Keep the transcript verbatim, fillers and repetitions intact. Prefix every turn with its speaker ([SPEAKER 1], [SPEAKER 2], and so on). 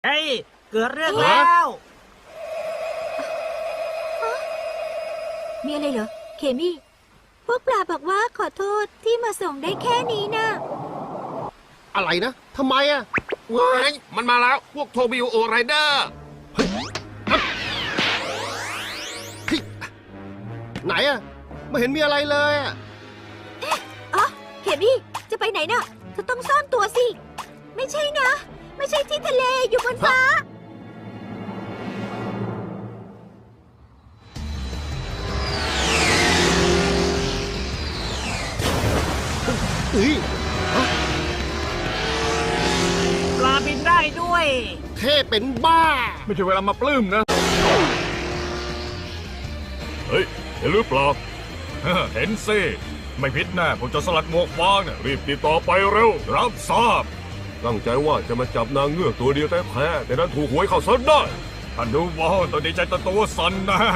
[SPEAKER 1] ฮ้ยเกิดเรื่องแล้ว
[SPEAKER 2] มีอะไรเหรอ เคมี่ พวกปลาบอกว่าขอโทษที่มาส่งได้แค่นี้นะ
[SPEAKER 3] อะไรนะทำไมอะ
[SPEAKER 4] ว้ายมันมาแล้วพวกโทบิวโอไรเดอร์
[SPEAKER 3] เฮ้ยไหนอะไม่เห็นมีอะไรเลยอะ
[SPEAKER 2] อ๋อ เคมี่ จะไปไหนน่ะเธอต้องซ่อนตัวสิ ไม่ใช่นะ ไม่ใช่ที่ทะเลอยู่บนฟ้า
[SPEAKER 3] เฮ้ย
[SPEAKER 1] ปลาบินได้ด้วย
[SPEAKER 3] เท่เป็นบ้า
[SPEAKER 5] ไม่ใช่เวลามาปลื้มนะ เฮ้ย เห็นหรือเปล่า เห็นสิ ไม่ผิดแน่ผมจะสลัดหมวกฟางเนี่ยรีบติดต่อไปเร็ว รับทราบ ตั้งใจว่าจะมาจับนางเงือกตัวเดียวแท้ๆแต่นั้นถูกหวยเข้าซะได้ท่านดูว่าตัวดีใจตัวสั่นนะ